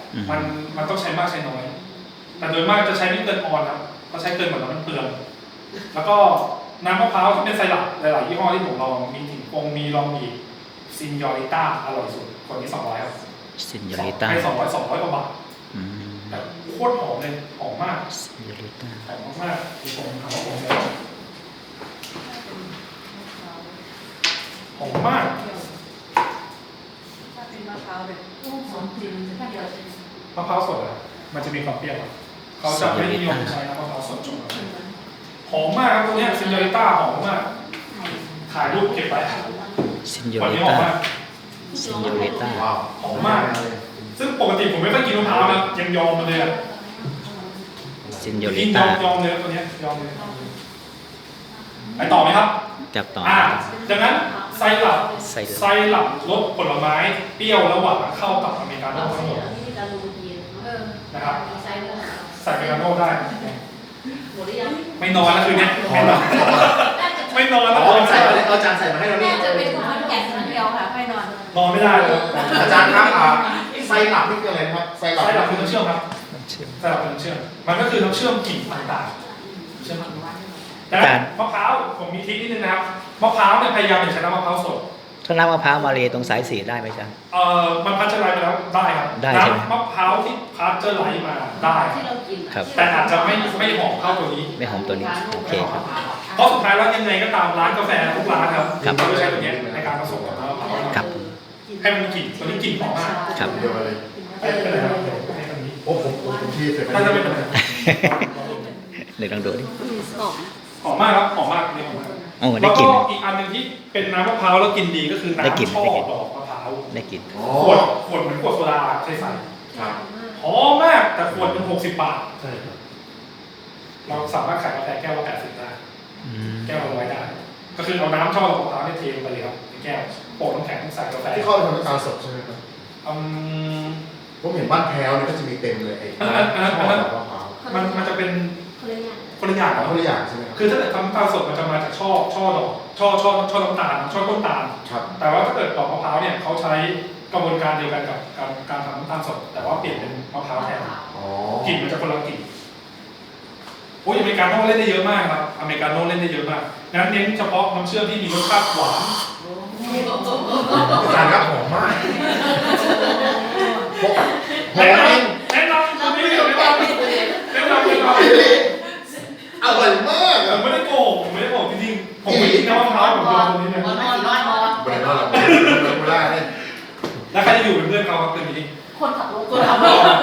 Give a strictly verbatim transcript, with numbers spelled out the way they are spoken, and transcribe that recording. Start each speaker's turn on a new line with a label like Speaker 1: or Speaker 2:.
Speaker 1: มันมันต้องใช้มากใช้น้อยแต่โดยมากจะใช้ไม่เกินออนครับเขาใช้เกินหมดแล้วมันเปลืองแล้วก็น้ำมะพร้าวที่เป็นไซรัปหลายๆยี่ห้อที่ผมลองมีถิ่นปงมีลองมีซินยอริต้าอร่อยสุดคนนี้สองร้อยครับ
Speaker 2: ซินยอริต้า
Speaker 1: ให้สองร้อยสองร้อยกว่าบาท
Speaker 2: อืม
Speaker 1: แต่โคตรหอมเลยหอมมาก
Speaker 2: ซินยอริต้า
Speaker 1: หอมมากๆที่ผมทำผมเลยหอมมาก
Speaker 3: ถ้าเป็นมะพร้าวแบบลูกสองจริงถ้าเดียว
Speaker 1: มะพร้าวสดอะมันจะมีความเปรี้ยวเขาจะไม่นิยมใช้น้ำมะพร้าวสดจงหอมมากครับตัวนี้ซินยอริต้าหอมมากถ่ายรูปเก็บไว้
Speaker 2: ซินยอ
Speaker 1: วัน
Speaker 2: ริ
Speaker 1: นี้หอ
Speaker 2: ต้าม
Speaker 1: มาก
Speaker 2: ซินยอริต้า
Speaker 1: หอมมากซึ่งปกติผมไม่ค่อยกินมะพร้าวนะยังยอมมาเลยอะ
Speaker 2: ซินยอริ
Speaker 1: กินย
Speaker 2: ต้า
Speaker 1: อมยอมเลยตัวนี้ยอมเลยไปต่อไหมครับ
Speaker 2: จับต่อ
Speaker 1: อ่าดังนั้นไซรัป
Speaker 2: ไซรัป
Speaker 1: ไซรัปรสผลไม้เปรี้ยวและหวานเข้ากับอเมริกาโน่ทั้งหมดนะครับใส่อเมริกาโน่ได้ไม่นอนแล้วคืนนี้ไม่นอนไม่นอนแล้ว
Speaker 4: อ๋อ
Speaker 1: ตอน
Speaker 4: ใส่
Speaker 1: ใส่
Speaker 4: มาเอาจานใส่มาให้เรา
Speaker 3: แม่
Speaker 4: นี่
Speaker 3: จะเป็นคนแก่นคนเดียวค่ะไม่นอน
Speaker 1: นอนไม่ได้เลย
Speaker 4: อาจารย์ครับอ่าไซรัปนี่คืออะไรครับไซรัป
Speaker 1: ไซรัปคือน้ำเชื่อมครับ
Speaker 2: น้ำเชื่อม
Speaker 1: ไซรัปคือน้ำเชื่อมมันก็คือน้ำเชื่อมกลิ่นต่างๆเชื่อมแต่มะพร้าวผมมีทริคนิดนึงนะครับมะพร้าวเนี่ยพยายามอย่าใช้น้ำมะพร้าวสด
Speaker 2: ถ้าน้ำมะพร้าวมาเลยตรงสายสีได้ไหมจ๊ะ
Speaker 1: เอ่อมันพัชเจอร์ไลซ์ไปแล้วได้ครับ
Speaker 2: ได้ใช่ไหม
Speaker 1: น้ำมะพร้าวที่พัชเจอร์ไลซ์มาได้
Speaker 3: ที่เรากิน
Speaker 2: ครับ
Speaker 1: แต่อาจจะไม่ไม่หอมเท่าตัวนี้
Speaker 2: ไม่หอมตัวนี้โอเคครับ
Speaker 1: เพราะสุดท้ายแล้วยังไงก็ตามร้านกาแฟทุกร้านครับ
Speaker 2: ครับ
Speaker 1: เขาจะใช้ตัวนี้ในการผสมกับน้ำมะพร้าว
Speaker 2: ครับ
Speaker 1: ให้มันมีกลิ่นตัวนี้กลิ่นหอมมาก
Speaker 2: ครับ
Speaker 4: เดียวเลย
Speaker 1: ให้เป็นอะไรครับให้ตรงนี้
Speaker 4: โอ้ผมผมผมที่เสร็จ
Speaker 1: ถ้าจะเป็นอะไร
Speaker 2: เดี๋ยวลองดูดิ
Speaker 3: หอม
Speaker 1: หอมมากครับหอมมากนี่หอมมาก
Speaker 2: โอ้
Speaker 1: แล้
Speaker 2: ได้
Speaker 1: ว
Speaker 2: กลิ่
Speaker 1: ก็
Speaker 2: น
Speaker 1: อีกอันหนึงที่เป็นน้ำมะพร้าวแล้วกินดีก็คือ
Speaker 2: ได้กลิ่น
Speaker 1: น้ำช่อ
Speaker 2: ได้กลิ่น
Speaker 1: ดอกมะพร้าว
Speaker 2: ได้กลิ่น
Speaker 4: อ๋อ
Speaker 1: ขวดขวดเหมือนขวดโซดาใส่ใส่
Speaker 4: ครับ
Speaker 1: หอมมากแต่ขวดเป็นหกสิบบาท
Speaker 4: ใช่ครับ
Speaker 1: เราสามารถขายกาแฟแก้วละแปดสิบได้
Speaker 2: อืม
Speaker 1: แก้วละร้อยได้ก็คือเอาน้ำช่อดอกมะพร้าวเนี่ยเทลงไปเลยครับในแก้วโปะน้ำแข็งใส่กาแฟ
Speaker 4: ที่เข้าไปทำน้ำตาลสดใช่ไหมครับ
Speaker 1: อืม
Speaker 4: ผมเห็นบ้านแพ้วเนี่ยก็จะมีเต็มเลยไอ้
Speaker 1: อันนั้นอันนั้น
Speaker 4: ช่อดอกมะพร้าว
Speaker 1: มันมันจะเป็น
Speaker 3: คนละอย่าง
Speaker 1: คนละอย่าง
Speaker 4: เอา
Speaker 1: ครับ
Speaker 4: คนละอย่างใช่ไหมครับ
Speaker 1: คือถ้าเกิดทำน้ำตาลสดมันจะมาจากช่อช่อดอกช่อช่อช่อน้ำตาลช่อต้นตาล
Speaker 4: ครับ
Speaker 1: แต่ว่าถ้าเกิดดอกมะพร้าวเนี่ยเขาใช้กระบวนการเดียวกันกับการการทำน้ำตาลสด แต่ว่าเปลี่ยนเป็นมะพร้าวแทน
Speaker 4: อ๋อก
Speaker 1: ลิ่นมันจะคนละกลิ่นโอ้ยอเมริกาโน่เล่นได้เยอะมากครับอเมริกาโน่เล่นได้เยอะมากงั้นเน้นเฉพาะน้ำเชื่อมที่มีรสชาติหวาน
Speaker 4: อาจารย์ครับหอมมากหอม
Speaker 1: แนะน
Speaker 4: จริง
Speaker 1: ำแนะนำตัวนี้เดี๋ยวแนะนำแนะนำเลยครับ
Speaker 4: อร่อยมาก
Speaker 1: ผ
Speaker 4: อ่ะ
Speaker 1: มไม่ได้โกหกผมไม่ได้โกหกจริงๆผมไม่กินน้ำมะพร้าวผมโดนตัวนี้เลย
Speaker 3: นอนนอนนอน
Speaker 4: บริโภคเราบริโภคเราเนี่ย
Speaker 1: แล้วใครจะอยู่เป็นเพื่อนเขาครับคืนนี้
Speaker 3: คนขับรถคนขับรถ